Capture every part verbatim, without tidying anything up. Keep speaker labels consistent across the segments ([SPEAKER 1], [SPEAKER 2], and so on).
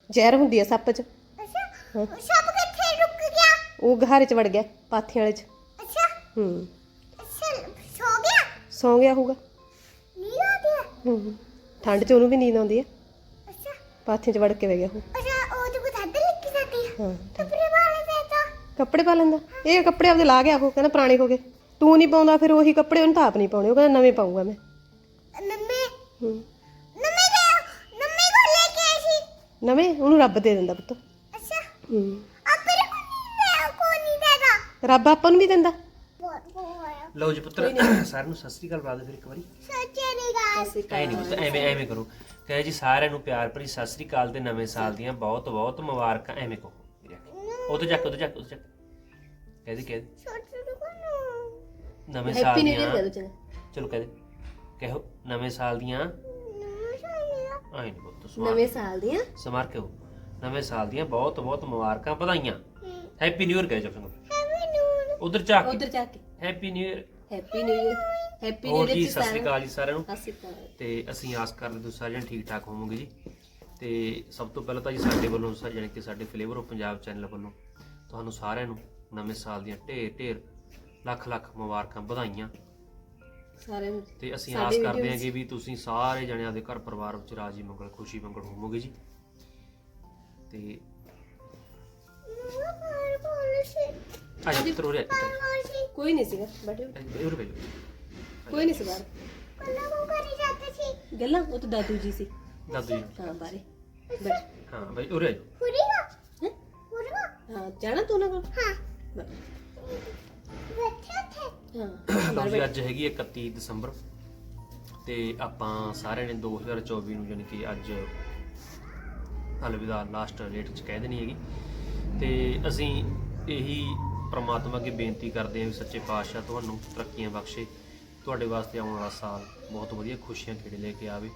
[SPEAKER 1] ਜ਼ਹਿਰ ਹੁੰਦੀ ਆ ਸੱਪ 'ਚ।
[SPEAKER 2] ਅੱਛਾ ਸੱਪ ਕਿੱਥੇ ਰੁਕ ਗਿਆ?
[SPEAKER 1] ਉਹ ਗਹਾਰੇ 'ਚ ਵੜ ਗਿਆ ਪਾਥੀਆਂ ਵਾਲੇ 'ਚ।
[SPEAKER 2] ਅੱਛਾ
[SPEAKER 1] ਹੂੰ
[SPEAKER 2] ਅੱਛਾ ਸੋ ਗਿਆ?
[SPEAKER 1] ਸੌਂ ਗਿਆ ਹੋਊਗਾ।
[SPEAKER 2] ਨੀਂਦ ਆ ਗਿਆ?
[SPEAKER 1] ਹੂੰ ਠੰਡ 'ਚ ਉਹਨੂੰ ਵੀ ਨੀਂਦ ਆਉਂਦੀ ਆ।
[SPEAKER 2] ਅੱਛਾ
[SPEAKER 1] ਪਾਥੀਆਂ 'ਚ ਵੜ ਕੇ ਬਹਿ ਗਿਆ ਉਹ।
[SPEAKER 2] ਅੱਛਾ ਉਹ ਤਾਂ ਕੁਝ ਹੱਦ ਲਿਖੀ ਜਾਂਦੀ ਹੈ।
[SPEAKER 1] ਹਾਂ
[SPEAKER 2] ਕੱਪੜੇ ਵਾਲੇ ਦੇਤਾ।
[SPEAKER 1] ਕੱਪੜੇ ਪਾ ਲੈਂਦਾ। ਇਹ ਕੱਪੜੇ ਆਪਦੇ ਲਾ ਗਿਆ ਉਹ, ਕਹਿੰਦਾ ਪੁਰਾਣੇ ਹੋ ਗਏ। ਤੂੰ ਨਹੀਂ ਪਾਉਂਦਾ ਫਿਰ ਉਹੀ ਕੱਪੜੇ, ਉਹਨੂੰ ਤਾਂ ਆਪ ਨਹੀਂ ਪਾਉਣੇ। ਉਹ ਕਹਿੰਦਾ ਨਵੇਂ ਪਾਊਂਗਾ ਮੈਂ।
[SPEAKER 2] ਨੰਮੇ
[SPEAKER 1] ਹੂੰ
[SPEAKER 2] ਨੰਮੇ ਗਏ ਨੰਮੇ ਕੋ ਲੈ ਕੇ ਆਈ ਸੀ।
[SPEAKER 1] ਨਵੇਂ ਉਹਨੂੰ ਰੱਬ ਦੇ ਦਿੰਦਾ ਪੁੱਤ।
[SPEAKER 2] ਅੱਛਾ
[SPEAKER 1] ਹੂੰ
[SPEAKER 2] ਆਪਰੇ ਕੋ ਨਹੀਂ ਲੈ ਕੋ ਨਹੀਂ ਦੇਦਾ।
[SPEAKER 1] ਰੱਬ ਆਪਾਂ ਨੂੰ ਵੀ ਦਿੰਦਾ।
[SPEAKER 2] ਬਹੁਤ ਬਹੁਤ
[SPEAKER 3] ਲਓ ਜੀ ਪੁੱਤਰ ਸਾਰਿਆਂ ਨੂੰ ਸਤਿ ਸ੍ਰੀ ਅਕਾਲ ਬੁਲਾ ਦਿਓ ਫਿਰ ਇੱਕ ਵਾਰੀ।
[SPEAKER 2] ਸੱਚੇ ਦੀ ਗੱਲ।
[SPEAKER 3] ਐ ਨਹੀਂ ਪੁੱਤ ਐਵੇਂ ਐਵੇਂ ਕਰੋ। ਕਹੇ ਜੀ ਸਾਰਿਆਂ ਨੂੰ ਪਿਆਰ ਭਰੀ ਸਤਿ ਸ੍ਰੀ ਅਕਾਲ ਤੇ ਨਵੇਂ ਸਾਲ ਦੀਆਂ ਬਹੁਤ ਬਹੁਤ ਮੁਬਾਰਕਾਂ। ਐਵੇਂ ਕਹੋ ਉਹਦੇ ਚੱਕ ਉਹਦੇ ਚੱਕ ਉਹਦੇ ਚੱਕ ਕਹਦੇ ਕਹਦੇ
[SPEAKER 2] ਛੋਟੂ ਕੋ ਨੂੰ
[SPEAKER 3] ਨਵੇਂ ਸਾਲ
[SPEAKER 1] ਹੈਪੀ ਨਿਊ ਈਅਰ
[SPEAKER 3] ਦੀਆਂ
[SPEAKER 1] ਕਹਿ ਦੋ ਚੰਗਾ।
[SPEAKER 3] ਚਲੋ ਕਹਦੇ ਕਹੋ ਨਵੇਂ ਸਾਲ ਦੀਆਂ
[SPEAKER 2] ਨੰਮੇ ਸਾਲੀਆ
[SPEAKER 3] ਆਏ ਨਹੀਂ ਪੁੱਤ ਸਮਾਰ
[SPEAKER 1] ਨਵੇਂ ਸਾਲ ਦੀਆਂ
[SPEAKER 3] ਸਮਾਰ ਕਹੋ ਨਵੇਂ ਸਾਲ ਦੀਆਂ ਬਹੁਤ ਬਹੁਤ ਮੁਬਾਰਕਾਂ ਵਧਾਈਆਂ। ਹੈਪੀ ਨਿਊ ਈਅਰ ਕਹੇ ਜਾ
[SPEAKER 2] ਹੈਵੀ ਨੂਰ।
[SPEAKER 3] ਉਧਰ ਚੱਕ
[SPEAKER 1] ਉਧਰ ਜਾ ਕੇ
[SPEAKER 3] happy new year.
[SPEAKER 1] Happy new year. Happy new
[SPEAKER 3] ਹੋਰ
[SPEAKER 1] ਈਅਰ
[SPEAKER 3] ਜੀ
[SPEAKER 1] ਜੀ
[SPEAKER 3] ਸਤਿ ਸ੍ਰੀ ਅਕਾਲ ਜੀ ਸਾਰਿਆਂ ਨੂੰ।
[SPEAKER 1] ਸਤਿ ਸ਼੍ਰੀ ਅਕਾਲ।
[SPEAKER 3] ਤੇ ਅਸੀਂ ਆਸ ਕਰਦੇ ਤੁਸੀਂ ਸਾਰੇ ਜਣੇ ਠੀਕ ਠਾਕ ਹੋਵੋਗੇ ਜੀ। ਤੇ ਸਭ ਤੋਂ ਪਹਿਲਾਂ ਤਾਂ ਜੀ ਸਾਡੇ ਵੱਲੋਂ ਜਾਣੀ ਕਿ ਸਾਡੇ ਫਲੇਵਰ ਆਫ ਪੰਜਾਬ ਚੈਨਲ ਵੱਲੋਂ ਤੁਹਾਨੂੰ ਸਾਰਿਆਂ ਨੂੰ ਨਵੇਂ ਸਾਲ ਦੀਆਂ ਢੇਰ ਢੇਰ ਲੱਖ ਲੱਖ ਮੁਬਾਰਕਾਂ ਵਧਾਈਆਂ।
[SPEAKER 1] ਸਾਰਿਆਂ ਨੂੰ
[SPEAKER 3] ਤੇ ਅਸੀਂ ਆਸ ਕਰਦੇ ਹਾਂ ਕਿ ਵੀ ਤੁਸੀਂ ਸਾਰੇ ਜਣੇ ਆਪਦੇ ਘਰ ਪਰਿਵਾਰ ਵਿੱਚ ਰਾਜੀ ਮੰਗਲ ਖੁਸ਼ੀ ਮੰਗਲ ਹੋਵੋਗੇ ਜੀ। ਤੇ
[SPEAKER 2] ਮਮਾ ਪਰ ਬੋਲ ਸੀ
[SPEAKER 3] ਅੱਜ ਪੁੱਤਰ ਹੋ ਰਿਹਾ
[SPEAKER 2] ਬੋਲ ਸੀ
[SPEAKER 1] ਕੋਈ ਨਹੀਂ ਸੀਗਾ ਬੈਠੇ
[SPEAKER 3] ਇਹ ਰੁਪਏ
[SPEAKER 1] ਕੋਈ ਨਹੀਂ ਸੀ ਬਾਹਰ।
[SPEAKER 2] ਕੱਲਾ ਕੋ ਕਰੀ ਜਾਂਦੇ ਸੀ।
[SPEAKER 1] ਗੱਲਾਂ ਉਹ ਤਾਂ ਦਾਦੂ ਜੀ ਸੀ।
[SPEAKER 3] ਦਾਦੂ ਜੀ
[SPEAKER 1] ਹਾਂ ਬਾਰੇ ਬੈਠ।
[SPEAKER 3] ਹਾਂ ਬਾਈ ਉਰੇ
[SPEAKER 2] ਹੁਰੀਗਾ
[SPEAKER 1] ਹੈਂ?
[SPEAKER 2] ਹੁਰੀਗਾ
[SPEAKER 1] ਹਾਂ ਜਾਣਾ ਤੂੰ ਨਾ ਕੋਲ।
[SPEAKER 2] ਹਾਂ
[SPEAKER 1] ਬੈਠ।
[SPEAKER 2] ਬੈਠੇ ਥੇ।
[SPEAKER 1] ਹਾਂ
[SPEAKER 3] ਲਓ ਜੀ ਅੱਜ ਹੈਗੀ ਇਕੱਤੀ ਦਸੰਬਰ ਤੇ ਆਪਾਂ ਸਾਰਿਆਂ ਨੇ ਦੋ ਹਜ਼ਾਰ ਚੌਵੀ ਨੂੰ ਜਾਣੀ ਕਿ ਅੱਜ ਅਲਵਿਦਾ ਲਾਸਟ ਡੇਟ ਚ ਕਹਿ ਦੇਣੀ ਹੈਗੀ। ਤੇ ਅਸੀਂ ਇਹੀ ਪ੍ਰਮਾਤਮਾ ਅੱਗੇ ਬੇਨਤੀ ਕਰਦੇ ਹਾਂ ਵੀ ਸੱਚੇ ਪਾਤਸ਼ਾਹ ਤੁਹਾਨੂੰ ਤਰੱਕੀਆਂ ਬਖਸ਼ੇ, ਤੁਹਾਡੇ ਵਾਸਤੇ ਆਉਣ ਵਾਲਾ ਸਾਲ ਬਹੁਤ ਵਧੀਆ ਖੁਸ਼ੀਆਂ ਖੇੜੇ ਲੈ ਕੇ ਆਵੇ।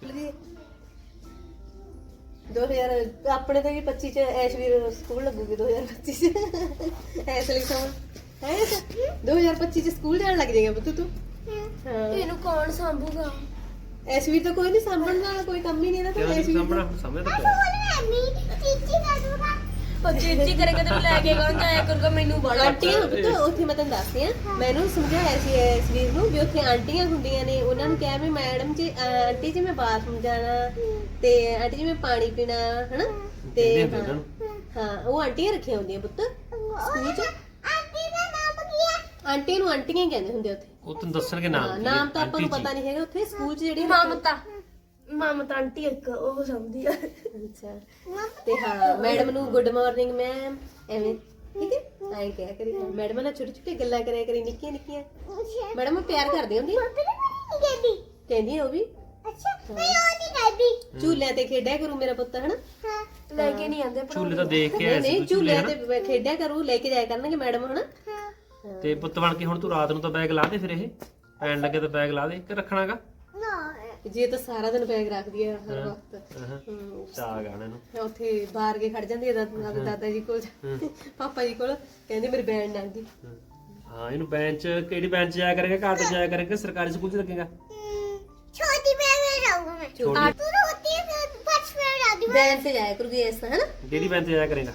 [SPEAKER 1] ਦੋ ਹਜ਼ਾਰ ਆਪਣੇ ਤਾਂ ਵੀ ਪੱਚੀ ਚ ਐਸ਼ਵੀਰ ਸਕੂਲ ਲੱਗੂਗੀ। ਦੋ ਹਜ਼ਾਰ ਪੱਚੀ ਚ ਐਸ ਲਈ ਸਮਾਂ ਹੈ ਦੋ ਹਜ਼ਾਰ ਪੱਚੀ ਚ ਸਕੂਲ ਜਾਣ ਲੱਗ ਜਾਏਗਾ ਪੁੱਤ ਤੂੰ। ਹਾਂ
[SPEAKER 2] ਇਹਨੂੰ ਕੌਣ ਸੰਭੂਗਾ?
[SPEAKER 1] ਐਸ਼ਵੀਰ ਤਾਂ ਕੋਈ ਨਹੀਂ ਸਾਂਭਣ ਵਾਲਾ, ਕੋਈ ਕੰਮ ਹੀ ਨਹੀਂ ਇਹਦਾ ਤਾਂ। ਐਸ਼ਵੀਰ
[SPEAKER 3] ਸਾਹਮਣਾ ਸਮਝ ਤਾਂ
[SPEAKER 2] ਬੋਲ ਨਹੀਂ ਚੀਚੀ ਕਰ ਦੂਗਾ।
[SPEAKER 4] ਉਹ ਚੀਚੀ ਕਰੇਗਾ ਤੇ ਲੈ ਕੇ ਕੌਣ ਜਾਇਆ ਕਰੂਗਾ? ਮੈਨੂੰ ਬੜਾ
[SPEAKER 1] ਆਂਟੀਆਂ ਪੁੱਤ ਉੱਥੇ ਮੈਂ ਤੈਨੂੰ ਦੱਸਦੀ ਆ। ਮੈਨੂੰ ਸਮਝਾਇਆ ਸੀ ਐਸ਼ਵੀਰ ਨੂੰ ਵੀ ਉੱਥੇ ਆਂਟੀਆਂ ਹੁੰਦੀਆਂ ਨੇ, ਉਹਨਾਂ ਨੂੰ ਕਿਹਾ ਵੀ ਮੈਡਮ ਜੀ ਆਂਟੀ ਜੀ ਮੈਂ ਬਾਥਰੂਮ ਜਾਣਾ ਤੇ ਆਂਟੀ ਜੀ ਮੈਂ ਪਾਣੀ ਪੀਣਾ ਹਨਾ। ਤੇ ਹਾਂ ਹਾਂ ਉਹ ਆਂਟੀਆਂ ਰੱਖੀਆਂ ਹੁੰਦੀਆਂ ਪੁੱਤ ਸਕੂਲ ਚ।
[SPEAKER 2] ਆਂਟੀ ਦਾ ਨਾਮ ਕੀ ਹੈ?
[SPEAKER 1] ਆਂਟੀ ਨੂੰ ਆਂਟੀਆਂ ਹੀ ਕਹਿੰਦੇ ਹੁੰਦੇ ਉੱਥੇ।
[SPEAKER 3] ਉਹ ਤੈਨੂੰ ਦੱਸਣਗੇ
[SPEAKER 1] ਹਾਂ
[SPEAKER 3] ਨਾਮ
[SPEAKER 1] ਨਾਮ ਤਾਂ ਆਪਾਂ ਨੂੰ ਪਤਾ ਨਹੀਂ ਹੈਗਾ ਉੱਥੇ ਸਕੂਲ ਚ ਜਿਹੜੀ
[SPEAKER 4] ਮਮਤਾ ਮਮਤਾ ਆਂਟੀ ਇੱਕ ਉਹ ਸਮਝਦੀ ਆ।
[SPEAKER 1] ਅੱਛਾ ਤੇ ਹਾਂ ਮੈਡਮ ਨੂੰ ਗੁੱਡ ਮਾਰਨਿੰਗ ਮੈਮ ਐਵੇਂ ਠੀਕ ਹੈ ਆਏ ਕਿਹਾ ਕਰੀ। ਮੈਡਮ ਨਾਲ ਛੋਟੀ ਛੋਟੀ ਗੱਲਾਂ ਕਰਿਆ ਕਰੀ ਨਿੱਕੀਆਂ ਨਿੱਕੀਆਂ। ਮੈਡਮ ਪਿਆਰ ਕਰਦੀ ਹੁੰਦੀ
[SPEAKER 2] ਕਹਿੰਦੀ
[SPEAKER 1] ਕਹਿੰਦੀ ਉਹ ਵੀ
[SPEAKER 2] ਅੱਛਾ ਮੈਂ ਉਹ ਨਹੀਂ ਕਹਿੰਦੀ।
[SPEAKER 1] ਝੂਲਿਆਂ ਤੇ ਖੇਡਿਆ ਕਰੂ ਮੇਰਾ ਪੁੱਤ ਹਨਾ।
[SPEAKER 2] ਹਾਂ
[SPEAKER 4] ਲੈ ਕੇ ਨਹੀਂ ਆਂਦੇ
[SPEAKER 3] ਝੂਲੇ ਤਾਂ ਦੇਖ ਕੇ
[SPEAKER 1] ਨਹੀਂ
[SPEAKER 3] ਆਇਆ ਸੀ
[SPEAKER 1] ਨਹੀਂ
[SPEAKER 3] ਤੂੰ ਝੂਲੇ
[SPEAKER 1] ਝੂਲਿਆਂ
[SPEAKER 3] ਹਨਾ।
[SPEAKER 1] ਤੇ ਖੇਡਿਆ ਕਰੂ, ਲੈ ਕੇ ਜਾਇਆ ਕਰਨਗੇ ਮੈਡਮ ਹਨਾ।
[SPEAKER 2] ਹਾਂ
[SPEAKER 3] ਤੇ ਪੁੱਤ ਬਣ ਕੇ ਹੁਣ ਤੂੰ ਰਾਤ ਨੂੰ ਤਾਂ ਬੈਗ ਲਾ ਦੇ, ਫਿਰ ਇਹ ਪੈਣ ਲੱਗੇ ਤਾਂ ਬੈਗ ਲਾ ਦੇ ਕਿ ਰੱਖਣਾਗਾ।
[SPEAKER 2] ਨਾ
[SPEAKER 1] ਜੇ ਤਾਂ ਸਾਰਾ ਦਿਨ ਬੈਗ ਰੱਖਦੀ ਹੈ ਹਰ ਵਕਤ। ਹਮ,
[SPEAKER 3] ਚਾਹ ਗਾਣੇ ਨੂੰ
[SPEAKER 1] ਮੈਂ ਉੱਥੇ ਬਾਹਰ ਕੇ ਖੜ ਜਾਂਦੀ ਹੈ ਦਾਦਾ ਦਾਦਾ ਜੀ ਕੋਲ ਪਾਪਾ ਜੀ ਕੋਲ, ਕਹਿੰਦੇ ਮੇਰੀ ਬੈਂਡ ਨਾ ਗਈ।
[SPEAKER 3] ਹਾਂ ਇਹਨੂੰ ਬੈਂਚ ਕਿਹੜੀ ਬੈਂਚ ਜਾਇਆ ਕਰੇਗਾ? ਘਰ ਤੇ ਜਾਇਆ ਕਰੇਗਾ ਸਰਕਾਰੀ ਸਕੂਲ ਚ ਲੱਗੇਗਾ?
[SPEAKER 2] ਛੋਟੀ ਬੈਗ में जाऊंगा मैं।
[SPEAKER 3] ਛੋਟੀ
[SPEAKER 2] तू रोती है फिर फर्स्ट में जाती
[SPEAKER 1] ਬੈਂਡ ਤੇ ਜਾਇਆ ਕਰੂਗੀ ਇਸ ਹਨਾ।
[SPEAKER 3] ਕਿਹੜੀ ਬੈਂਚ ਤੇ ਜਾਇਆ ਕਰੇਗਾ?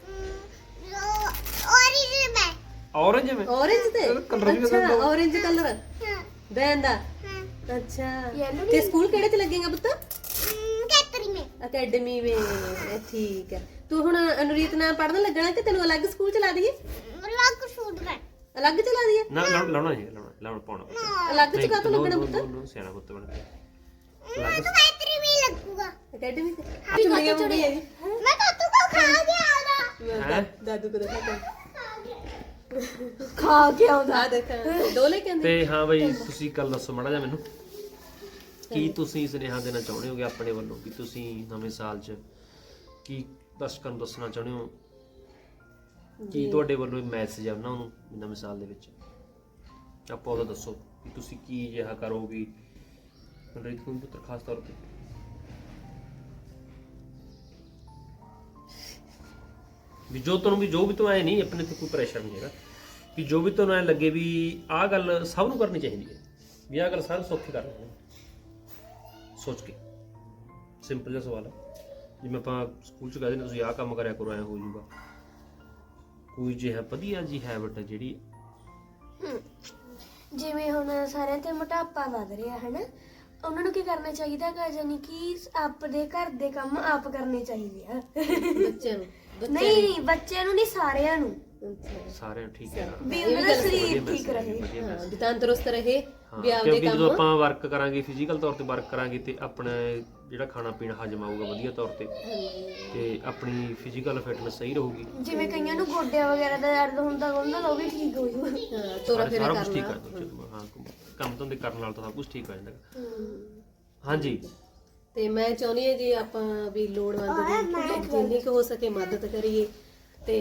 [SPEAKER 2] ओरिजिनल में।
[SPEAKER 3] ਔਰੰਜ में
[SPEAKER 1] orange ਤੇ
[SPEAKER 3] colour ਵੀ
[SPEAKER 1] ਅੱਛਾ orange ਕਲਰ
[SPEAKER 2] हाँ
[SPEAKER 1] ਬੈਂਡ ਦਾ।
[SPEAKER 2] हाँ
[SPEAKER 1] ਅੱਛਾ ਤੇ ਸਕੂਲ ਕਿਹੜੇ ਤੇ ਲੱਗੇਗਾ ਪੁੱਤ?
[SPEAKER 2] कैटरी में।
[SPEAKER 1] ਅਕੈਡਮੀ ਵਿੱਚ ਠੀਕ ਹੈ। ਤੂੰ ਹੁਣ ਅਨੁਰੀਤ ਨਾਲ ਪੜਨ ਲੱਗਣਾ ਕਿ ਤੈਨੂੰ ਅਲੱਗ ਸਕੂਲ ਚ ਲਾ ਦਈਏ?
[SPEAKER 2] लाख सूट में।
[SPEAKER 1] ਅਲੱਗ ਚ ਲਾ ਦਈਏ?
[SPEAKER 3] ਨਾ ਲਾਉਣਾ ਲਾਉਣਾ ਨਹੀਂ ਲਾਉਣਾ ਲਾਉਣਾ ਪਾਉਣਾ ਪੁੱਤ।
[SPEAKER 1] ਅਲੱਗ ਚ ਕਾਹਤੋਂ
[SPEAKER 3] ਨੋ,
[SPEAKER 1] ਲੱਗਣਾ
[SPEAKER 3] ਨੋ,
[SPEAKER 1] ਪੁੱਤ?
[SPEAKER 3] ਨੋ, ਨੋ, ਸਿਆਣਾ ਪੁੱਤ ਬਣ ਕੇ
[SPEAKER 2] मैं तो कैटरी में ही लगूंगा।
[SPEAKER 1] ਅਕੈਡਮੀ ਤੇ ਚੁੜੀਆਂ ਮੁੰਡੀ ਹੈ ਜੀ।
[SPEAKER 2] मैं तो तू को खा गया था।
[SPEAKER 3] ਹੈਂ?
[SPEAKER 1] ਦਾਦੂ ਕੋ ਦਿਖਾ
[SPEAKER 4] ਖਾ ਕੇ ਆਉਂਦਾ।
[SPEAKER 1] ਆ ਦੇਖ ਦੋ ਲੈ ਕੇ ਆਂਦੇ।
[SPEAKER 3] ਤੇ ਹਾਂ ਬਈ ਤੁਸੀਂ ਕੱਲ ਦੱਸੋ ਮਾੜਾ ਜਿਹਾ ਮੈਨੂੰ ਕੀ ਤੁਸੀਂ ਸੁਨੇਹਾ ਦੇਣਾ ਚਾਹੁੰਦੇ ਹੋਗੇ ਆਪਣੇ ਵੱਲੋਂ ਕਿ ਤੁਸੀਂ ਨਵੇਂ ਸਾਲ 'ਚ ਕੀ ਦਰਸ਼ਕਾਂ ਨੂੰ ਦੱਸਣਾ ਚਾਹੁੰਦੇ ਹੋ? ਕੀ ਤੁਹਾਡੇ ਵੱਲੋਂ ਮੈਸੇਜ ਆ ਉਹਨਾਂ ਨੂੰ ਨਵੇਂ ਸਾਲ ਦੇ ਵਿੱਚ? ਆਪਾਂ ਉਹਦਾ ਦੱਸੋ ਕਿ ਤੁਸੀਂ ਕੀ ਜਿਹਾ ਕਰੋਗੇ ਮਨਰੀਤ ਕੋਲ ਪੁੱਤਰ ਖਾਸ ਤੌਰ ਤੇ। ਵੀ ਜੋ ਤੁਹਾਨੂੰ ਵੀ ਜੋ ਵੀ ਤੋਂ ਆਏ ਨਹੀਂ ਆਪਣੇ ਤੇ ਕੋਈ ਪ੍ਰੈਸ਼ਰ ਨਹੀਂ ਹੈਗਾ ਕਿ ਜੋ ਵੀ ਤੁਹਾਨੂੰ ਐ ਲੱਗੇ ਵੀ ਆਹ ਗੱਲ ਸਭ ਨੂੰ ਕਰਨੀ ਚਾਹੀਦੀ ਹੈ ਵੀ ਆਹ ਗੱਲ ਸਾਰੇ ਸੌਖੇ ਕਰ ਲੈਣੇ ਸੋਚ ਕੇ। ਸਿੰਪਲ ਜਿਹਾ ਸਵਾਲ ਹੈ ਜਿਵੇਂ ਆਪਾਂ ਸਕੂਲ ਚ ਕਹਿੰਦੇ ਨੇ ਤੁਸੀਂ ਆਹ ਕੰਮ ਕਰਿਆ ਕਰੋ ਐ ਹੋ ਜਾਊਗਾ, ਕੋਈ ਜਿਹਾ ਵਧੀਆ ਜੀ ਹੈਬਿਟ ਜਿਹੜੀ
[SPEAKER 4] ਜਿਵੇਂ ਹੁਣ ਸਾਰਿਆਂ ਤੇ ਮੋਟਾਪਾ ਵੱਧ ਰਿਹਾ ਹੈ ਨਾ, ਉਹਨਾਂ ਨੂੰ ਕੀ ਕਰਨਾ ਚਾਹੀਦਾ ਹੈਗਾ, ਯਾਨੀ ਕਿ ਆਪਣੇ ਘਰ ਦੇ ਕੰਮ ਆਪ ਕਰਨੇ ਚਾਹੀਦੇ ਆ।
[SPEAKER 1] ਬੱਚਿਆਂ ਨੂੰ ਬੱਚਿਆਂ
[SPEAKER 4] ਨਹੀਂ ਨਹੀਂ ਬੱਚਿਆਂ ਨੂੰ ਨਹੀਂ, ਸਾਰਿਆਂ ਨੂੰ,
[SPEAKER 1] ਨੂੰ। ਅੱਛਾ।
[SPEAKER 3] ਸਾਰਿਆਂ ਨੂੰ ਠੀਕ ਹੈ
[SPEAKER 4] ਵੀ
[SPEAKER 1] ਇਹ
[SPEAKER 4] ਉਹਨਾਂ
[SPEAKER 1] ਵੀ
[SPEAKER 4] ਦਾ
[SPEAKER 1] ਗੱਲ
[SPEAKER 4] ਸਰੀਰ
[SPEAKER 3] ਵਧੀਆ
[SPEAKER 4] ਠੀਕ
[SPEAKER 3] message
[SPEAKER 4] ਰਹੇ।
[SPEAKER 3] ਹੈ, ਵਧੀਆ
[SPEAKER 1] ਹਾਂ
[SPEAKER 3] message।
[SPEAKER 1] ਵੀ ਤੰਦਰੁਸਤ ਰਹੇ
[SPEAKER 3] ਹਾਂ,
[SPEAKER 1] ਵੀ ਆਪਦੇ
[SPEAKER 3] ਕਿਉਂਕਿ ਜਦੋਂ
[SPEAKER 1] ਕੰਮ
[SPEAKER 3] ਆਪਾਂ ਵਰਕ ਕਰਾਂਗੇ ਫਿਜ਼ੀਕਲ ਤੌਰ ਤੇ ਵਰਕ ਕਰਾਂਗੇ ਤੇ ਆਪਣਾ ਜਿਹੜਾ ਖਾਣਾ ਪੀਣਾ ਹਜਮ ਆਊਗਾ ਵਧੀਆ ਤੌਰ ਤੇ, ਤੇ ਆਪਣੀ ਫਿਜ਼ੀਕਲ ਫਿਟਨੈਸ ਸਹੀ ਰਹੂਗੀ।
[SPEAKER 4] ਜਿਵੇਂ ਕਈਆਂ ਨੂੰ ਗੋਡਿਆਂ ਵਗੈਰਾ ਦਾ ਦਰਦ ਹੁੰਦਾ ਉਹਨਾਂ ਦਾ ਉਹ ਵੀ ਠੀਕ ਹੋ ਜੂਗਾ।
[SPEAKER 1] ਹਾਂ ਤੋਰਾ
[SPEAKER 3] ਸਾਰਾ
[SPEAKER 1] ਫੇਰਾ
[SPEAKER 3] ਕੁਝ ਠੀਕ
[SPEAKER 1] ਕਰਨਾ।
[SPEAKER 3] ਕਰ ਦੋ, ਹਾਂ ਕੰਮ ਧੰਦੇ ਕਰਨ ਨਾਲ ਤਾਂ ਸਭ ਕੁਝ ਠੀਕ ਹੋ ਜਾਂਦਾ ਹੈਗਾ।
[SPEAKER 1] ਹਮ।
[SPEAKER 3] ਹਾਂਜੀ
[SPEAKER 1] ਤੇ ਮੈਂ ਚਾਹੁੰਦੀ ਹਾਂ ਜੀ ਆਪਾਂ ਵੀ ਲੋੜਵੰਦ ਦੀ ਜਿੰਨੀ ਕੁ ਹੋ ਸਕੇ ਮਦਦ ਕਰੀਏ ਤੇ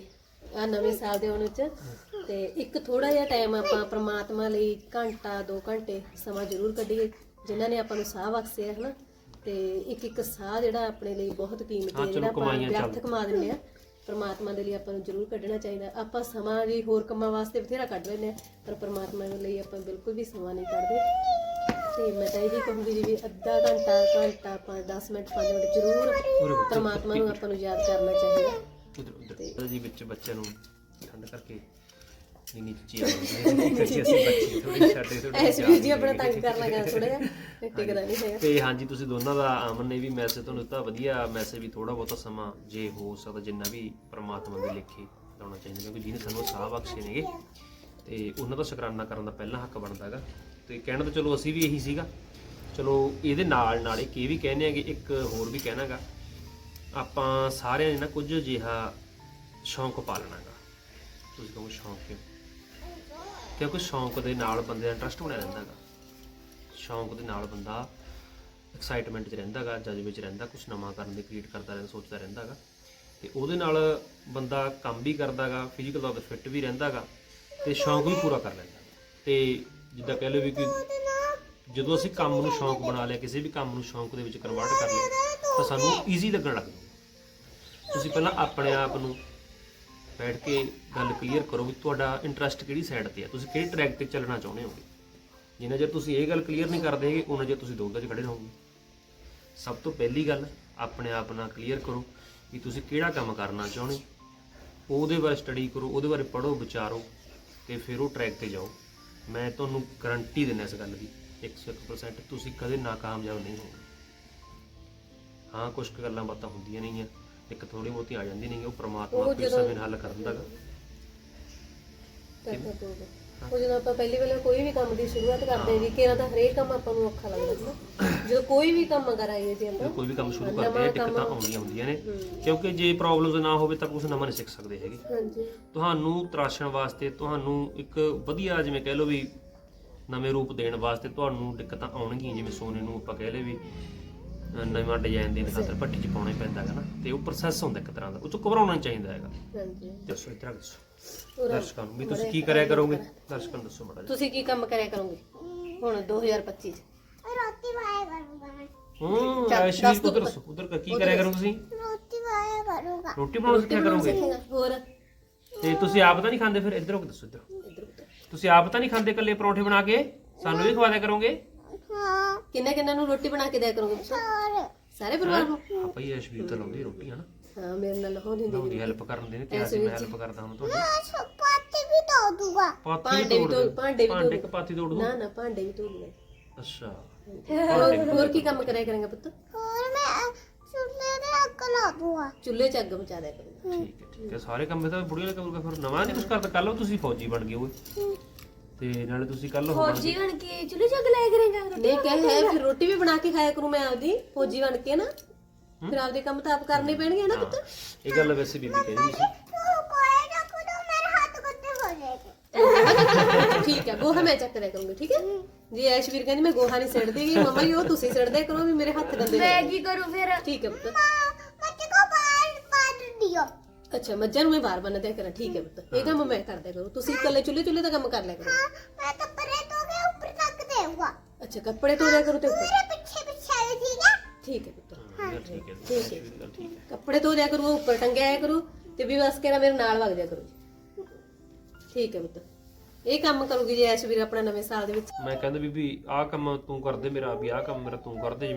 [SPEAKER 1] ਆ ਨਵੇਂ ਸਾਲ ਦੇ ਆਉਣ ਚ ਤੇ ਇੱਕ ਥੋੜਾ ਜਿਹਾ ਟਾਈਮ ਆਪਾਂ ਪ੍ਰਮਾਤਮਾ ਲਈ ਘੰਟਾ ਦੋ ਘੰਟੇ ਸਮਾਂ ਜ਼ਰੂਰ ਕੱਢੀਏ, ਜਿਨ੍ਹਾਂ ਨੇ ਆਪਾਂ ਨੂੰ ਸਾਹ ਬਖਸ਼ਿਆ ਹਨਾ। ਤੇ ਇੱਕ ਇੱਕ ਸਾਹ ਜਿਹੜਾ ਆਪਣੇ ਲਈ ਬਹੁਤ ਕੀਮਤੀ
[SPEAKER 3] ਹਾਂ,
[SPEAKER 1] ਹੈ,
[SPEAKER 3] ਚਲੋ
[SPEAKER 1] ਜਿਹੜਾ ਆਪਾਂ
[SPEAKER 3] ਕਮਾਈਆਂ ਚੱਲ-
[SPEAKER 1] ਵਿਅਰਥ ਕਮਾ ਦਿੰਦੇ ਆ, ਪ੍ਰਮਾਤਮਾ ਦੇ ਲਈ ਆਪਾਂ ਨੂੰ ਜ਼ਰੂਰ ਕੱਢਣਾ ਚਾਹੀਦਾ। ਆਪਾਂ ਸਮਾਂ ਜੀ ਹੋਰ ਕੰਮਾਂ ਵਾਸਤੇ ਬਥੇਰਾ ਕੱਢ ਲੈਂਦੇ ਆ, ਪਰ ਪ੍ਰਮਾਤਮਾ ਦੇ ਲਈ ਆਪਾਂ ਬਿਲਕੁਲ ਵੀ ਸਮਾਂ ਨਹੀਂ ਕੱਢਦੇ। ਤੇ ਮੈਂ ਤਾਂ ਇਹ ਵੀ ਕਹੂੰਗੀ ਜੀ ਵੀ ਅੱਧਾ ਘੰਟਾ ਘੰਟਾ ਪੰਜ ਦਸ ਮਿੰਟ ਪੰਜ ਮਿੰਟ ਜ਼ਰੂਰ ਪ੍ਰਮਾਤਮਾ ਨੂੰ ਆਪਾਂ ਨੂੰ ਯਾਦ ਕਰਨਾ ਚਾਹੀਦਾ।
[SPEAKER 3] ਉਧਰ ਉਧਰ ਜੀ ਵਿੱਚ ਬੱਚਿਆਂ ਨੂੰ ਠੰਡ ਕਰਕੇ ਨੀਂਦ ਚੀ ਆ ਜਾਂਦੀ ਹੈ ਅਸੀਂ ਬੱਚੇ ਥੋੜੀ ਸਾਡੇ ਥੋੜੀ
[SPEAKER 1] ਐਸ ਵੀ ਜੀ ਆਪਣਾ ਤੰਗ ਕਰਨਾ ਗਾ ਥੋੜਾ ਜਿਹਾ, ਟਿਕਦਾ ਨਹੀਂ ਹੈਗਾ।
[SPEAKER 3] ਤੇ ਹਾਂਜੀ ਤੁਸੀਂ ਦੋਨਾਂ ਦਾ ਅਮਨ ਨੇ ਵੀ ਮੈਸੇਜ ਤੁਹਾਨੂੰ ਦਿੱਤਾ, ਵਧੀਆ ਮੈਸੇਜ ਵੀ ਥੋੜਾ ਬਹੁਤਾ ਸਮਾਂ ਜੇ ਹੋ ਸਕਦਾ ਜਿੰਨਾ ਵੀ ਪ੍ਰਮਾਤਮਾ ਦੇ ਲੇਖੇ ਲਾਉਣਾ ਚਾਹੀਦਾ, ਕਿਉਂਕਿ ਜਿਹਨੇ ਸਾਨੂੰ ਸਾਹ ਬਖਸ਼ੇ ਨੇਗੇ ਤੇ ਉਹਨਾਂ ਦਾ ਸ਼ੁਕਰਾਨਾ ਕਰਨ ਦਾ ਪਹਿਲਾ ਹੱਕ ਬਣਦਾ ਹੈਗਾ। ਤੇ ਕਹਿਣਾ ਤਾਂ ਚਲੋ ਅਸੀਂ ਵੀ ਇਹੀ ਸੀਗਾ, ਚਲੋ ਇਹਦੇ ਨਾਲ ਨਾਲ ਇੱਕ ਇਹ ਵੀ ਕਹਿੰਦੇ ਆ ਕਿ ਇੱਕ ਹੋਰ ਵੀ ਕਹਿਣਾਗਾ ਆਪਾਂ ਸਾਰਿਆਂ ਨੇ ਨਾ ਕੁਝ ਅਜਿਹਾ ਸ਼ੌਂਕ ਪਾਲਣਾ ਗਾ। ਤੁਸੀਂ ਕਹੋ ਸ਼ੌਂਕ ਕਿਉਂ? ਕਿਉਂਕਿ ਸ਼ੌਂਕ ਦੇ ਨਾਲ ਬੰਦੇ ਦਾ ਇੰਟਰਸਟ ਬਣਿਆ ਰਹਿੰਦਾ ਗਾ, ਸ਼ੌਂਕ ਦੇ ਨਾਲ ਬੰਦਾ ਐਕਸਾਈਟਮੈਂਟ 'ਚ ਰਹਿੰਦਾ ਗਾ, ਜਜ਼ਬੇ 'ਚ ਰਹਿੰਦਾ, ਕੁਝ ਨਵਾਂ ਕਰਨ ਦੀ ਕ੍ਰੀਏਟ ਕਰਦਾ ਰਹਿੰਦਾ, ਸੋਚਦਾ ਰਹਿੰਦਾ ਗਾ, ਤੇ ਉਹਦੇ ਨਾਲ ਬੰਦਾ ਕੰਮ ਵੀ ਕਰਦਾ ਗਾ, ਫਿਜ਼ੀਕਲ ਤੌਰ ਤੇ ਫਿੱਟ ਵੀ ਰਹਿੰਦਾ ਗਾ, ਤੇ ਸ਼ੌਂਕ ਵੀ ਪੂਰਾ ਕਰ ਲੈਂਦਾ ਗਾ। ਤੇ ਜਿੱਦਾਂ ਕਹਿ ਲਓ ਵੀ ਕਿ ਜਦੋਂ ਅਸੀਂ ਕੰਮ ਨੂੰ ਸ਼ੌਂਕ ਬਣਾ ਲਿਆ, ਕਿਸੇ ਵੀ ਕੰਮ ਨੂੰ ਸ਼ੌਂਕ ਦੇ ਵਿੱਚ ਕਨਵਰਟ ਕਰ ਲਿਆ ਤਾਂ ਸਾਨੂੰ ਈਜ਼ੀ ਲੱਗਣ ਲੱਗ ਜਾਂਦਾ। ਤੁਸੀਂ ਪਹਿਲਾਂ ਆਪਣੇ ਆਪ ਨੂੰ ਬੈਠ ਕੇ ਗੱਲ ਕਲੀਅਰ ਕਰੋ ਵੀ ਤੁਹਾਡਾ ਇੰਟਰਸਟ ਕਿਹੜੀ ਸਾਈਡ ਤੇ ਹੈ, ਤੁਸੀਂ ਕਿਹੜੇ ਟਰੈਕ ਤੇ ਚੱਲਣਾ ਚਾਹੁੰਦੇ ਹੋਗੇ। ਜਿੰਨਾ ਚਿਰ ਤੁਸੀਂ ਇਹ ਗੱਲ ਕਲੀਅਰ ਨਹੀਂ ਕਰਦੇ ਹੈਗੇ ਉਹਨਾਂ ਚਿਰ ਤੁਸੀਂ ਦੋਗਲੇ 'ਚ ਖੜੇ ਰਹੋਗੇ। ਸਭ ਤੋਂ ਪਹਿਲੀ ਗੱਲ ਆਪਣੇ ਆਪ ਨਾਲ ਕਲੀਅਰ ਕਰੋ ਵੀ ਤੁਸੀਂ ਕਿਹੜਾ ਕੰਮ ਕਰਨਾ ਚਾਹੁੰਦੇ ਹੋ, ਉਹਦੇ ਬਾਰੇ ਸਟੱਡੀ ਕਰੋ, ਉਹਦੇ ਬਾਰੇ ਪੜ੍ਹੋ, ਵਿਚਾਰੋ, ਤੇ ਫਿਰ ਉਹ ਟਰੈਕ ਤੇ ਜਾਓ। ਮੈਂ ਤੁਹਾਨੂੰ ਗਰੰਟੀ ਦਿੰਦਾ ਇਸ ਗੱਲ ਦੀ ਇੱਕ ਸੌ ਇੱਕ ਪਰਸੈਂਟ ਤੁਸੀਂ ਕਦੇ ਨਾਕਾਮਯਾਬ ਨਹੀਂ ਹੋਗੇ। ਹਾਂ ਕੁਝ ਕੁ ਗੱਲਾਂ ਬਾਤਾਂ ਹੁੰਦੀਆਂ ਨਹੀਂ ਆ, ਇੱਕ ਥੋੜੀ ਬਹੁਤੀ ਆ ਜਾਂਦੀ ਨਹੀਂ, ਉਹ ਪ੍ਰਮਾਤਮਾ
[SPEAKER 1] ਉਹ
[SPEAKER 3] ਆਪਣੇ
[SPEAKER 1] ਜਦੋਂ-
[SPEAKER 3] ਸਮੇਂ ਨਾਲ ਹੱਲ ਕਰ ਦਿੰਦਾ ਗਾ।
[SPEAKER 1] ਕਰਨਾ ਪਊਗਾ। ਉਹ ਜਦੋਂ ਆਪਾਂ ਪਹਿਲੀ ਵੇਲੇ ਕੋਈ ਵੀ ਕੰਮ ਦੀ ਸ਼ੁਰੂਆਤ ਕਰਦੇ ਹਾਂ ਜੀ, ਕਿਹੜਾ ਤਾਂ ਹਰੇਕ ਕੰਮ ਆਪਾਂ ਨੂੰ ਔਖਾ ਲੱਗਦਾ ਹੈ। ਜਦੋਂ ਕੋਈ ਵੀ ਕੰਮ ਕਰਾਂਗੇ ਜੀ ਆਪਾਂ,
[SPEAKER 3] ਕੋਈ ਵੀ ਕੰਮ ਸ਼ੁਰੂ ਕਰਦੇ ਆ ਦਿੱਕਤਾਂ ਆਉਂਦੀਆਂ ਹੁੰਦੀਆਂ ਨੇ, ਕਿਉਂਕਿ ਜੇ ਪ੍ਰੋਬਲਮਸ ਨਾ ਹੋਵੇ ਤਾਂ ਕੁਝ ਨਵਾਂ ਨਹੀਂ ਸਿੱਖ ਸਕਦੇ ਹੈਗੇ।
[SPEAKER 1] ਹਾਂਜੀ
[SPEAKER 3] ਤੁਹਾਨੂੰ ਤਰਾਸ਼ਣ ਵਾਸਤੇ, ਤੁਹਾਨੂੰ ਇੱਕ ਵਧੀਆ ਜਿਵੇਂ ਕਹਿ ਲਓ ਵੀ ਨਵੇਂ ਰੂਪ ਦੇਣ ਵਾਸਤੇ ਤੁਹਾਨੂੰ ਦਿੱਕਤਾਂ ਆਉਣਗੀਆਂ। ਜਿਵੇਂ ਸੋਨੇ ਨੂੰ ਆਪਾਂ ਕਹਿ ਲਏ ਵੀ ਅਹ ਨਵਾਂ ਡਿਜ਼ਾਈਨ ਦੇਣ ਖਾਤਰ ਭੱਟੀ 'ਚ ਪਾਉਣਾ ਹੀ ਪੈਂਦਾ ਹੈਗਾ ਨਾ, ਤੇ ਉਹ ਪ੍ਰੋਸੈਸ ਹੁੰਦਾ ਇੱਕ ਤਰ੍ਹਾਂ ਦਾ, ਉਹ 'ਚੋਂ ਘਬਰਾਉਣਾ ਨਹੀਂ ਚਾਹੀਦਾ ਹੈਗਾ।
[SPEAKER 1] ਹਾਂਜੀ
[SPEAKER 3] ਦੱਸੋ ਇਤਰਾ ਦੱਸੋ ਦਰਸ਼ਕਾਂ ਨੂੰ ਵੀ ਤੁਸੀਂ ਕੀ ਕਰਿਆ ਕਰੋਗੇ, ਦਰਸ਼ਕਾਂ ਨੂੰ ਦੱਸੋ ਮਾੜਾ ਜਿਹਾ।
[SPEAKER 1] ਤੁਸੀਂ ਕੀ ਕੰਮ ਕਰਿਆ ਕਰੋਗੇ ਹੁਣ ਦੋ ਹਜ਼ਾਰ ਪੱਚੀ ਚ?
[SPEAKER 2] ਰੋਟੀ ਖਾਇਆ ਕਰੂੰਗਾ ਮੈਂ
[SPEAKER 3] ਹੂੰ
[SPEAKER 1] ਚੱਲ,
[SPEAKER 3] ਐਸ਼
[SPEAKER 1] ਦੱਸ
[SPEAKER 3] ਵੀ
[SPEAKER 1] ਦਿਓ
[SPEAKER 3] ਉਧਰ
[SPEAKER 1] ਪੁੱਤ।
[SPEAKER 3] ਦੱਸੋ, ਉਧਰ ਕੀ ਕਰਿਆ ਕਰੋਗੇ ਤੁਸੀਂ?
[SPEAKER 2] ਰੋਟੀ ਖਾਇਆ ਕਰੂੰਗਾ
[SPEAKER 3] ਰੋਟੀ ਬਣਾਉਣਾ ਸਿੱਖਿਆ ਕਰੋਗੇ।
[SPEAKER 1] ਸਿੱਖੇਗਾ ਹੋਰ
[SPEAKER 3] ਤੇ ਤੁਸੀਂ ਆਪ ਤਾਂ ਨਹੀਂ ਖਾਂਦੇ ਫਿਰ? ਇੱਧਰੋਂ ਦੱਸੋ, ਇੱਧਰੋਂ
[SPEAKER 1] ਇੱਧਰ ਉੱਧਰ।
[SPEAKER 3] ਤੁਸੀਂ ਆਪ ਤਾਂ ਨਹੀਂ ਖਾਂਦੇ ਇਕੱਲੇ ਪਰੌਂਠੇ ਬਣਾ ਕੇ? ਸਾਨੂੰ ਵੀ ਖਵਾ ਦਿਆ ਕਰੋਗੇ।
[SPEAKER 2] ਹਾਂ
[SPEAKER 1] ਕਿੰਨਾ ਕਿੰਨਾ ਨੂੰ ਰੋਟੀ ਬਣਾ ਕੇ ਦਿਆ ਕਰੋਗੇ ਤੁਸੀਂ?
[SPEAKER 2] ਹੋਰ
[SPEAKER 1] ਸਾਰੇ ਪਰਿਵਾਰ ਨੂੰ?
[SPEAKER 3] ਆਪਾਂ ਹੀ ਐਸ਼ਵੀਰ ਤਾਂ ਲਾਉਂਦੀ ਰੋਟੀ ਹਨਾ,
[SPEAKER 1] ਹਾਂ ਮੇਰੇ ਨਾਲ ਹੋ ਦਿੰਦੀ
[SPEAKER 3] ਲਾਉਂਦੀ ਹੈਲਪ ਕਰਨ ਦੇ ਨੇ, ਕਿਹਾ ਸੀ ਮੈਂ ਹੈਲਪ ਕਰਦਾ ਹਾਂ ਤੁਹਾਡੀ।
[SPEAKER 2] ਸਪਾਤੀ ਵੀ ਧੋ ਦੂੰਗਾ
[SPEAKER 3] ਪਾਥੀ
[SPEAKER 1] ਭਾਂਡੇ ਵੀ
[SPEAKER 3] ਤੋੜ
[SPEAKER 1] ਧੋ
[SPEAKER 3] ਦਿਓ।
[SPEAKER 1] ਭਾਂਡੇ ਵੀ
[SPEAKER 3] ਭਾਂਡੇ
[SPEAKER 1] ਧੋ
[SPEAKER 3] ਕਿ ਪਾਥੀ ਤੋੜ ਦੂੰ?
[SPEAKER 1] ਨਾ ਨਾ ਭਾਂਡੇ ਵੀ ਧੋ ਲਏ।
[SPEAKER 3] ਅੱਛਾ
[SPEAKER 1] ਹੋਰ ਹੋਰ ਕੀ ਕੰਮ ਕਰਿਆ ਕਰਾਂਗਾ ਪੁੱਤ?
[SPEAKER 2] ਹੋਰ ਮੈਂ ਚੁੱਲ੍ਹੇ ਤੇ ਅੱਗ ਲਾ ਦੂੰਗਾ
[SPEAKER 1] ਚੁੱਲ੍ਹੇ 'ਚ ਅੱਗ ਮਚਾ ਦਿਆ ਕਰੂੰਗਾ।
[SPEAKER 3] ਠੀਕ ਹੈ ਠੀਕ ਹੈ, ਸਾਰੇ ਕੰਮ ਤਾਂ ਬੁੜੀਆਂ ਨੇ ਕਰੂਗਾ। ਫਿਰ ਨਵਾਂ ਨਹੀਂ ਕੁਝ ਕਰਦਾ, ਕੱਲ ਤੁਸੀਂ ਫੌਜੀ ਬਣ ਗਏ ਹੋਏ, ਤੇ ਨਾਲੇ ਤੁਸੀਂ ਕੱਲ ਹੋ
[SPEAKER 4] ਫੌਜੀ ਬਣ ਕੇ ਚੁੱਲ੍ਹੇ ਚੱਕ ਲਾਇਆ ਕਰੇਗਾ ਰੋਟੀ?
[SPEAKER 1] ਨਹੀਂ ਕਹਿ ਹੈ ਫਿਰ ਰੋਟੀ ਵੀ ਬਣਾ ਕੇ ਖਾਇਆ ਕਰੂੰ ਮੈਂ ਆਪਦੀ ਫੌਜੀ ਬਣ ਕੇ ਨਾ, ਫਿਰ ਆਪਦੇ ਕੰਮ ਤਾਂ ਆਪ ਕਰਨੇ ਪੈਣਗੇ ਨਾ ਪੁੱਤ।
[SPEAKER 3] ਇਹ ਗੱਲ ਵੈਸੇ ਬੀਬੀ ਕਹਿੰਦੀ ਸੀ।
[SPEAKER 2] ਤੂੰ ਕੋਈ ਨਾ ਕੁਦੋ ਮੇਰੇ ਹੱਥ ਕੁੱਤੇ ਹੋ ਜਾਏਗੇ
[SPEAKER 1] ਠੀਕ ਹੈ ਗੋਹਾ ਮੈਂ ਚੱਕ ਦਿਆ ਕਰੂੰਗੀ, ਠੀਕ ਹੈ ਜੀ। ਐਸ਼ਵੀਰ ਕਹਿੰਦੀ ਮੈਂ ਗੋਹਾ ਨਹੀਂ ਸਿੱਟਦੀ ਗੀ, ਮਮਾ ਜੀ ਉਹ ਤੁਸੀਂ ਸਿੱਟਦੇ ਕਰੋ ਵੀ ਮੇਰੇ ਹੱਥ ਗੰਦੇ
[SPEAKER 4] ਮੈਂ
[SPEAKER 1] ਨੇ।
[SPEAKER 4] ਕੀ ਕਰੂੰ ਫਿਰ?
[SPEAKER 1] ਠੀਕ ਹੈ ਪੁੱਤ।
[SPEAKER 2] ਮੱਝ ਕੋ ਬਾਹਰ ਪਾ ਦਿਓ
[SPEAKER 1] ਅੱਛਾ ਮੱਝਾਂ ਨੂੰ ਮੈਂ ਬਾਹਰ ਬੰਨ ਦਿਆ ਕਰਾਂ, ਠੀਕ ਹੈ ਪੁੱਤ। ਇਹ ਕੰਮ ਮੈਂ ਕਰਦਿਆ ਕਰੂੰ, ਤੁਸੀਂ ਇਕੱਲੇ ਚੁੱਲ੍ਹੇ ਚੁੱਲ੍ਹੇ ਦਾ ਕੰਮ ਕਰ ਲਿਆ ਕਰੋ।
[SPEAKER 2] ਮੈਂ ਤਾਂ ਪਰੇ ਤੋਂ ਕੇ ਉੱਪਰ ਤੱਕ ਦੇਊਗਾ
[SPEAKER 1] ਅੱਛਾ ਕੱਪੜੇ ਧੋ ਦਿਆ ਕਰੋ ਤੇ ਉੱਪਰ।
[SPEAKER 2] ਮੇਰੇ ਪਿੱਛੇ ਪਿੱਛੇ ਆਏ ਠੀਕ ਹੈ
[SPEAKER 1] ਠੀਕ ਹੈ ਪੁੱਤ,
[SPEAKER 3] ਹਾਂ, ਇਹ ਗੱਲ ਠੀਕ ਹੈ,
[SPEAKER 1] ਠੀਕ ਹੈ।
[SPEAKER 3] ਐਸ਼ਵੀਰ ਦੀ ਗੱਲ ਠੀਕ ਹੈ।
[SPEAKER 1] ਕੱਪੜੇ ਧੋ ਦਿਆ ਕਰੂ, ਉੱਪਰ ਟੰਗਿਆ ਆਇਆ ਕਰੂ, ਤੇ ਵੀ ਬਸ ਕਿਹੜਾ ਮੇਰੇ ਨਾਲ ਵਗ ਜਾ ਕਰੂ। ਠੀਕ ਹੈ ਪੁੱਤ, ਇਹ ਕੰਮ ਕਰੂਗੀ ਜੀ ਐਸ਼ਵੀਰ ਆਪਣਾ ਨਵੇਂ ਸਾਲ ਦੇ ਵਿੱਚ।
[SPEAKER 3] ਮੈਂ ਕਹਿੰਦਾ ਬੀਬੀ ਆਹ ਕੰਮ ਤੂੰ ਕਰਦੇ ਮੇਰਾ, ਵੀ ਆਹ ਕੰਮ ਮੇਰਾ ਤੂੰ ਕਰਦੇ, ਜਿਵੇਂ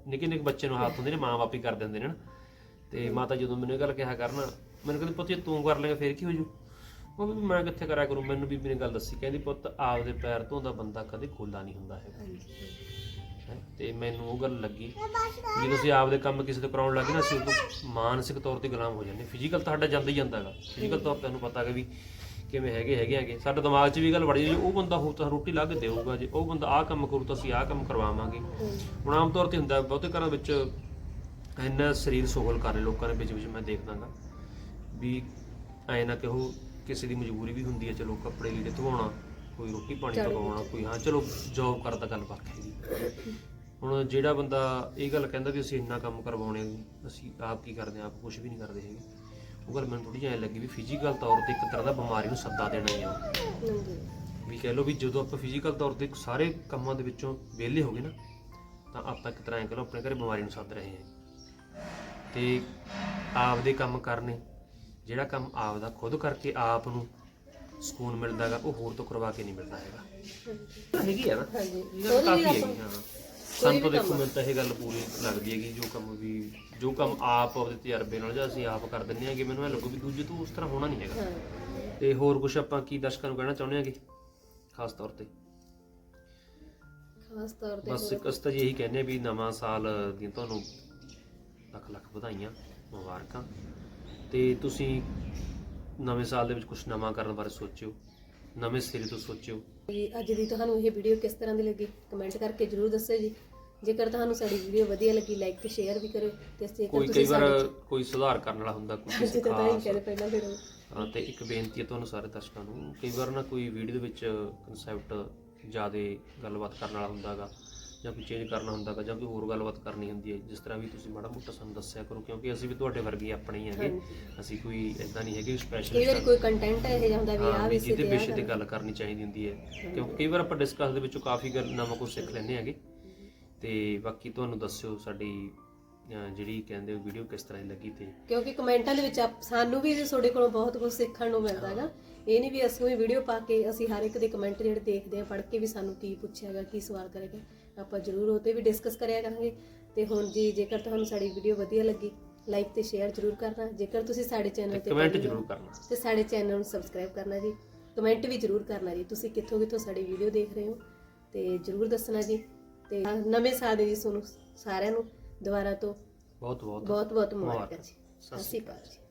[SPEAKER 3] ਨਿੱਕੇ ਨਿੱਕੇ ਬੱਚੇ ਨੂੰ ਹੱਥ ਹੁੰਦੇ ਨੇ ਮਾਂ ਬਾਪ ਹੀ ਕਰ ਦਿੰਦੇ ਨੇ ਨਾ। ਤੇ ਮਾਤਾ ਜਦੋਂ ਮੈਨੂੰ ਇਹ ਗੱਲ ਕਿਹਾ ਕਰਨਾ, ਮੈਨੂੰ ਕਹਿੰਦੀ ਪੁੱਤ ਜੇ ਤੂੰ ਕਰ ਲੇਗਾ ਫੇਰ ਕੀ ਹੋ ਜੂ। ਉਹ ਵੀ ਮੈਂ ਕਿੱਥੇ ਕਰਿਆ ਕਰੂੰ। ਮੈਨੂੰ ਬੀਬੀ ਨੇ ਗੱਲ ਦੱਸੀ, ਕਹਿੰਦੀ ਪੁੱਤ ਆਪਦੇ ਪੈਰ ਧੋਂਦਾ ਬੰਦਾ ਕਦੇ ਖੋਲਾ ਨਹੀਂ ਹੁੰਦਾ ਹੈਗਾ। ਹੈਂ, ਤੇ ਮੈਨੂੰ ਉਹ ਗੱਲ ਲੱਗੀ ਜਦੋਂ ਅਸੀਂ ਆਪਦੇ ਕੰਮ ਕਿਸੇ ਤੋਂ ਕਰਾਉਣ ਲੱਗੇ ਨਾ, ਅਸੀਂ ਉਦੋਂ ਮਾਨਸਿਕ ਤੌਰ ਤੇ ਗੁਲਾਮ ਹੋ ਜਾਂਦੇ। ਫਿਜ਼ੀਕਲ ਤਾਂ ਸਾਡਾ ਜਾਂਦਾ ਹੀ ਜਾਂਦਾ ਹੈਗਾ, ਫਿਜ਼ੀਕਲ ਤੌਰ ਤੇ ਤੁਹਾਨੂੰ ਪਤਾ ਹੈਗਾ ਵੀ ਕਿਵੇਂ ਹੈਗੇ ਹੈਗੇ ਹੈਗੇ ਸਾਡੇ ਦਿਮਾਗ 'ਚ ਵੀ ਗੱਲ ਵੜ ਜਾਂਦੀ, ਉਹ ਬੰਦਾ ਹੋ ਤਾਂ ਰੋਟੀ ਲਾ ਕੇ ਦੇਊਗਾ, ਜੇ ਉਹ ਬੰਦਾ ਆਹ ਕੰਮ ਕਰੂ ਤਾਂ ਅਸੀਂ ਆਹ ਕੰਮ ਕਰਵਾਵਾਂਗੇ। ਹੁਣ ਆਮ ਤੌਰ ਤੇ ਹੁੰਦਾ ਬਹੁਤੇ ਘਰਾਂ ਵਿੱਚ ਇੰਨਾ ਸਰੀਰ ਸੋਹਲ ਕਰ ਰਹੇ ਲੋਕਾਂ ਦੇ ਵਿੱਚ ਵਿੱਚ ਮੈਂ ਦੇਖਦਾਗਾ ਵੀ ਐਂ ਨਾ ਕਹੋ ਕਿਸੇ ਦੀ ਮਜਬੂਰੀ ਵੀ ਹੁੰਦੀ ਹੈ, ਚਲੋ ਕੱਪੜੇ ਲੀੜੇ ਧਵਾਉਣਾ, ਕੋਈ ਰੋਟੀ ਪਾਣੀ ਪਕਾਉਣਾ, ਕੋਈ ਹਾਂ ਚਲੋ ਜੋਬ ਕਰਦਾ ਗੱਲ ਵੱਖ ਹੈਗੀ। ਹੁਣ ਜਿਹੜਾ ਬੰਦਾ ਇਹ ਗੱਲ ਕਹਿੰਦਾ ਵੀ ਅਸੀਂ ਇੰਨਾ ਕੰਮ ਕਰਵਾਉਣੇ, ਅਸੀਂ ਆਪ ਕੀ ਕਰਦੇ ਹਾਂ, ਆਪ ਕੁਝ ਵੀ ਨਹੀਂ ਕਰਦੇ ਹੈਗੇ, ਉਹ ਗੱਲ ਮੈਨੂੰ ਥੋੜੀ ਜਿਹੀ ਐਂ ਲੱਗੀ ਵੀ ਫਿਜ਼ੀਕਲ ਤੌਰ ਤੇ ਇੱਕ ਤਰ੍ਹਾਂ ਦਾ ਬਿਮਾਰੀ ਨੂੰ ਸੱਦਾ ਦੇਣਾ ਹੀ ਆ। ਵੀ ਕਹਿ ਲਓ ਵੀ ਜਦੋਂ ਆਪਾਂ ਫਿਜ਼ੀਕਲ ਤੌਰ ਤੇ ਸਾਰੇ ਕੰਮਾਂ ਦੇ ਵਿੱਚੋਂ ਵਿਹਲੇ ਹੋ ਗਏ ਨਾ, ਤਾਂ ਆਪਾਂ ਇੱਕ ਤਰ੍ਹਾਂ ਐਂ ਕਹਿ ਲਓ ਆਪਣੇ ਘਰੇ ਬਿਮਾਰੀ ਨੂੰ ਸੱਦ ਰਹੇ ਹਾਂ। ਤੇ ਆਪਦੇ ਕੰਮ ਕਰਨੇ, ਜਿਹੜਾ ਕੰਮ ਆਪਦਾ ਖੁਦ ਕਰਕੇ ਆਪ ਨੂੰ ਸਕੂਨ ਮਿਲਦਾ ਹੈਗਾ, ਉਹ ਹੋਰ ਤੋਂ ਕਰਵਾ ਕੇ ਨਹੀਂ ਮਿਲਦਾ ਹੈਗਾ। ਹੈਗੀ ਆ ਨਾ, ਇਹ ਗੱਲ ਕਾਫੀ ਹੈਗੀ। ਹਾਂ ਸਾਨੂੰ ਤਾਂ ਦੇਖੋ ਮੈਨੂੰ ਤਾਂ ਇਹ ਗੱਲ ਪੂਰੀ ਲੱਗਦੀ ਹੈਗੀ, ਜੋ ਕੰਮ ਵੀ ਜੋ ਕੰਮ ਆਪ ਆਪਦੇ ਤਜਰਬੇ ਨਾਲ ਜਾਂ ਅਸੀਂ ਆਪ ਕਰ ਦਿੰਦੇ ਹੈਗੇ, ਮੈਨੂੰ ਇਹ ਲੱਗੂ ਵੀ ਦੂਜੇ ਤੋਂ ਉਸ ਤਰ੍ਹਾਂ ਹੋਣਾ ਨਹੀਂ ਹੈਗਾ। ਤੇ ਹੋਰ ਕੁਝ ਆਪਾਂ ਕੀ ਦਰਸ਼ਕਾਂ ਨੂੰ ਕਹਿਣਾ ਚਾਹੁੰਦੇ ਹੈਗੇ ਖਾਸ ਤੌਰ ਤੇ?
[SPEAKER 1] ਖਾਸ ਤੌਰ ਤੇ
[SPEAKER 3] ਬਸ ਇੱਕ ਅਸਤਾ ਜੀ ਇਹੀ ਕਹਿੰਦੇ ਵੀ ਨਵਾਂ ਸਾਲ ਦੀਆਂ ਤੁਹਾਨੂੰ ਲੱਖ ਲੱਖ ਵਧਾਈਆਂ, ਮੁਬਾਰਕਾਂ। ਤੇ ਤੁਸੀਂ ਨਵੇਂ ਸਾਲ ਦੇ ਵਿੱਚ ਕੁਝ ਨਵਾਂ ਕਰਨ ਬਾਰੇ ਸੋਚਿਓ, ਨਵੇਂ ਸਿਰੇ ਤੋਂ ਸੋਚਿਓ।
[SPEAKER 1] ਜੀ ਅੱਜ ਦੀ ਤੁਹਾਨੂੰ ਇਹ ਵੀਡੀਓ ਕਿਸ ਤਰ੍ਹਾਂ ਦੀ ਲੱਗੀ ਕਮੈਂਟ ਕਰਕੇ ਜਰੂਰ ਦੱਸਿਓ ਜੀ। ਜੇਕਰ ਤੁਹਾਨੂੰ ਸਾਡੀ ਵੀਡੀਓ ਵਧੀਆ ਲੱਗੀ ਲਾਈਕ ਤੇ ਸ਼ੇਅਰ ਵੀ ਕਰਿਓ। ਤੇ ਜੇਕਰ
[SPEAKER 3] ਕੋਈ ਕਈ ਵਾਰ ਕੋਈ ਸੁਧਾਰ ਕਰਨ ਵਾਲਾ ਹੁੰਦਾ, ਕੋਈ ਕਿਸੇ
[SPEAKER 1] ਜਿੱਦਾਂ ਤਾਂ ਹੀ
[SPEAKER 3] ਖਾਸ
[SPEAKER 1] ਕਹਿੰਦੇ ਪਹਿਲਾਂ ਫਿਰ
[SPEAKER 3] ਹਾਂ। ਤੇ ਇੱਕ ਬੇਨਤੀ ਹੈ ਤੁਹਾਨੂੰ ਸਾਰੇ ਦਰਸ਼ਕਾਂ ਨੂੰ, ਕਈ ਵਾਰ ਨਾ ਕੋਈ ਵੀਡੀਓ ਦੇ ਵਿੱਚ ਕਨਸੈਪਟ ਜ਼ਿਆਦਾ ਗੱਲਬਾਤ ਕਰਨ ਵਾਲਾ ਹੁੰਦਾ ਹੈਗਾ, ਜਾਂ ਕੋਈ ਚੇਂਜ ਕਰਨਾ ਹੁੰਦਾ ਹੈਗਾ, ਜਾਂ ਕੋਈ ਹੋਰ ਗੱਲਬਾਤ ਕਰਨੀ ਹੁੰਦੀ ਹੈ, ਜਿਸ ਤਰ੍ਹਾਂ ਵੀ ਤੁਸੀਂ ਮਾੜਾ ਮੋਟਾ ਸਾਨੂੰ ਦੱਸਿਆ ਕਰੋ, ਕਿਉਂਕਿ ਅਸੀਂ ਵੀ ਤੁਹਾਡੇ ਵਰਗੇ ਆਪਣੇ ਹੀ ਹੈਗੇ। ਅਸੀਂ ਕੋਈ ਇਦਾਂ ਨਹੀਂ ਹੈਗੇ ਸਪੈਸ਼ਲ
[SPEAKER 1] ਕਈ ਵਾਰ ਕੋਈ ਕੰਟੈਂਟ ਇਹ ਜਿਹਾ ਹੁੰਦਾ ਵੀ ਆਹ ਵੀ
[SPEAKER 3] ਜਿਹਦੇ ਵਿਸ਼ੇ ਤੇ ਗੱਲ ਕਰਨੀ ਚਾਹੀਦੀ ਹੁੰਦੀ ਹੈ, ਕਿਉਂਕਿ ਕਈ ਵਾਰ ਆਪਾਂ ਡਿਸਕਸ ਦੇ ਵਿੱਚੋਂ ਕਾਫੀ ਗੱਲ ਨਵਾਂ ਕੁਝ ਸਿੱਖ ਲੈਂਦੇ ਹੈਗੇ। ਤੇ ਬਾਕੀ ਤੁਹਾਨੂੰ ਦੱਸਿਓ ਸਾਡੀ ਜਿਹੜੀ ਕਹਿੰਦੇ ਵੀਡੀਓ ਕਿਸ ਤਰ੍ਹਾਂ ਦੀ ਲੱਗੀ। ਤੇ
[SPEAKER 1] ਕਿਉਂਕਿ ਕਮੈਂਟਾਂ ਦੇ ਵਿੱਚ ਆਪ- ਸਾਨੂੰ ਵੀ ਤੁਹਾਡੇ ਕੋਲੋਂ ਬਹੁਤ ਕੁਝ ਸਿੱਖਣ ਨੂੰ ਮਿਲਦਾ ਹੈਗਾ। ਇਹ ਨਹੀਂ ਵੀ ਅਸੀਂ ਵੀ ਵੀਡੀਓ ਪਾ ਕੇ ਅਸੀਂ ਹਰ ਇੱਕ ਦੇ ਕਮੈਂਟ ਜਿਹੜੇ ਦੇਖਦੇ ਆ, ਪੜ੍ਹ ਕੇ ਵੀ ਸਾਨੂੰ ਕੀ ਪੁੱਛਿਆ ਹੈਗਾ, ਕੀ ਸਵਾਲ ਕਰੇਗਾ, ਆਪਾਂ ਜ਼ਰੂਰ ਉਹ 'ਤੇ ਵੀ ਡਿਸਕਸ ਕਰਿਆ ਕਰਾਂਗੇ। ਤੇ ਹੁਣ ਜੀ ਜੇਕਰ ਤੁਹਾਨੂੰ ਸਾਡੀ ਵੀਡੀਓ ਵਧੀਆ ਲੱਗੀ ਲਾਈਕ ਤੇ ਸ਼ੇਅਰ ਜ਼ਰੂਰ ਕਰਨਾ। ਜੇਕਰ ਤੁਸੀਂ ਸਾਡੇ ਚੈਨਲ ਤੇ
[SPEAKER 3] ਕਮੈਂਟ ਜ਼ਰੂਰ ਕਰਨਾ
[SPEAKER 1] ਤੇ ਸਾਡੇ ਚੈਨਲ ਨੂੰ ਸਬਸਕ੍ਰਾਈਬ ਕਰਨਾ ਜੀ। ਕਮੈਂਟ ਵੀ ਜ਼ਰੂਰ ਕਰਨਾ ਜੀ, ਤੁਸੀਂ ਕਿੱਥੋਂ ਕਿੱਥੋਂ ਸਾਡੀ ਵੀਡੀਓ ਦੇਖ ਰਹੇ ਹੋ ਤੇ ਜ਼ਰੂਰ ਦੱਸਣਾ ਜੀ। ਤੇ ਨਵੇਂ ਸਾਲ ਦੇ ਜੀ ਤੁਹਾਨੂੰ ਸਾਰਿਆਂ ਨੂੰ ਦੁਬਾਰਾ ਤੋਂ
[SPEAKER 3] ਬਹੁਤ ਬਹੁਤ
[SPEAKER 1] ਬਹੁਤ ਬਹੁਤ ਮੁਬਾਰਕਾਂ ਜੀ। ਸਤਿ ਸ਼੍ਰੀ ਅਕਾਲ ਜੀ।